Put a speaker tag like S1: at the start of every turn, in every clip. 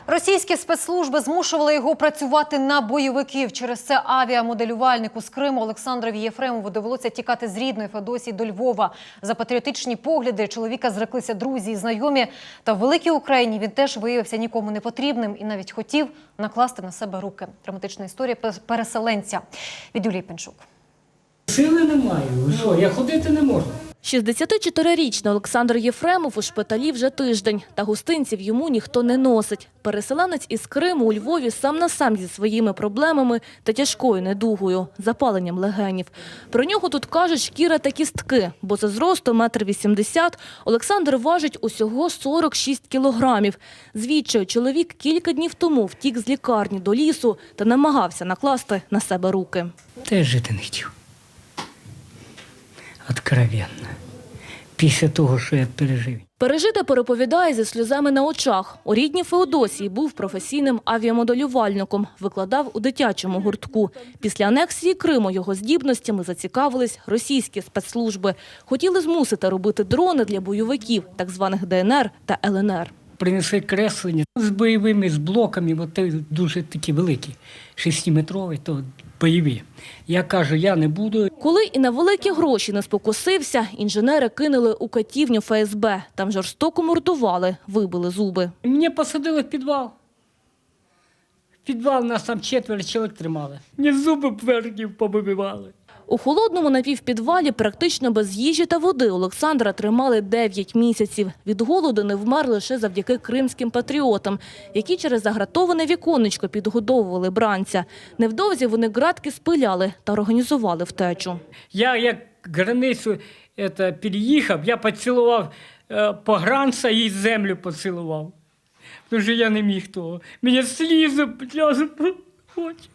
S1: Російські спецслужби змушували його працювати на бойовиків. Через це авіамоделювальнику з Криму Олександрові Єфремову довелося тікати з рідної Феодосії до Львова. За патріотичні погляди чоловіка зреклися друзі і знайомі. Та в великій Україні він теж виявився нікому не потрібним і навіть хотів накласти на себе руки. Драматична історія переселенця. Від Юлії Пенчук.
S2: Сили немає. Що, я ходити не можу.
S3: 64-річний Олександр Єфремов у шпиталі вже тиждень. Та гостинців йому ніхто не носить. Переселенець із Криму у Львові сам на сам зі своїми проблемами та тяжкою недугою – запаленням легенів. Про нього тут кажуть шкіра та кістки, бо за зросту 1,80 м Олександр важить усього 46 кілограмів. Звідчаю чоловік кілька днів тому втік з лікарні до лісу та намагався накласти на себе руки.
S2: Теж жити не хотів. Откровенно. Після того, що я пережив.
S3: Пережите переповідає зі сльозами на очах. У рідній Феодосії був професійним авіамоделювальником, викладав у дитячому гуртку. Після анексії Криму його здібностями зацікавились російські спецслужби. Хотіли змусити робити дрони для бойовиків, так званих ДНР та ЛНР.
S2: Принесли креслення з бойовими, з блоками, бо це дуже такі великі, 6-метрові, то бойові. Я кажу, я не буду.
S3: Коли і на великі гроші не спокусився, інженери кинули у катівню ФСБ. Там жорстоко мордували, вибили зуби.
S2: Мене посадили в підвал. В підвал нас там 4 чоловік тримали. Мені зуби верхнів побивали.
S3: У холодному напівпідвалі практично без їжі та води Олександра тримали 9 місяців. Від голоду не вмер лише завдяки кримським патріотам, які через загратоване віконечко підгодовували бранця. Невдовзі вони ґратки спиляли та організували втечу.
S2: Я як границю переїхав, я поцілував погранця і землю поцілував. Тому що я не міг того. Мені слізи по очі.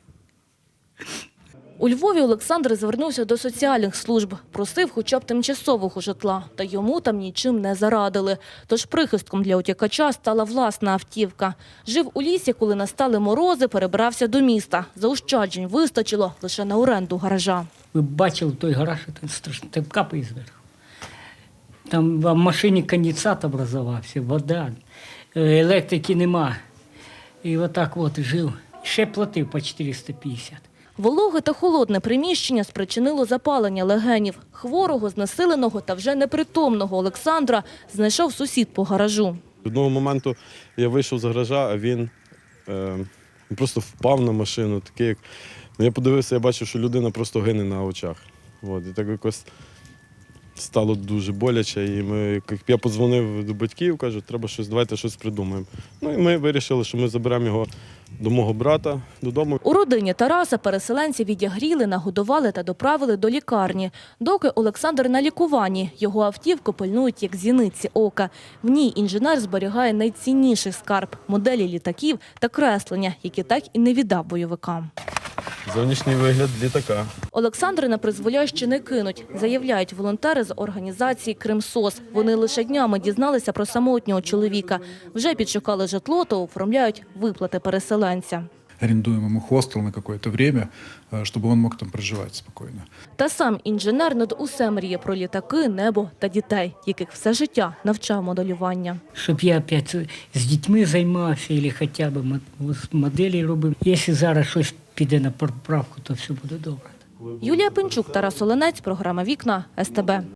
S3: У Львові Олександр звернувся до соціальних служб, просив хоча б тимчасового житла, та йому там нічим не зарадили. Тож прихистком для утікача стала власна автівка. Жив у лісі, коли настали морози, перебрався до міста. Заощаджень вистачило лише на оренду гаража.
S2: Ви бачили той гараж, це страшно, там капає зверху. Там в машині конденсат образувався, вода, електрики нема. І отак от жив. Ще платив по 450.
S3: Вологе та холодне приміщення спричинило запалення легенів. Хворого, знесиленого та вже непритомного Олександра знайшов сусід по гаражу.
S4: Одного моменту я вийшов з гаража, а він просто впав на машину. Такий, як... Я подивився, я бачив, що людина просто гине на очах. І так якось стало дуже боляче. І я подзвонив до батьків, кажу, треба давайте щось придумаємо. І ми вирішили, що ми заберемо його до мого брата додому.
S3: У родині Тараса переселенців відігріли, нагодували та доправили до лікарні. Доки Олександр на лікуванні, його автівку пильнують як зіниці ока. В ній інженер зберігає найцінніший скарб – моделі літаків та креслення, які так і не віддав бойовикам.
S4: Зовнішній вигляд літака.
S3: Олександра на призволяще не кинуть, заявляють волонтери з організації «Кримсос». Вони лише днями дізналися про самотнього чоловіка. Вже підшукали житло та оформляють виплати переселенця.
S5: Арендуем ему хостел на какое-то время, чтобы он мог там проживать спокойно.
S3: Та сам інженер над усе мріє про літаки, небо та дітей, яких все життя навчав моделювання.
S2: Щоб я опять з дітьми займався, або хоча б моделі робив. Якщо зараз щось піде на поправку, то все буде добре.
S3: Юлія Пенчук, Тарас Оленець, програма «Вікна», СТБ.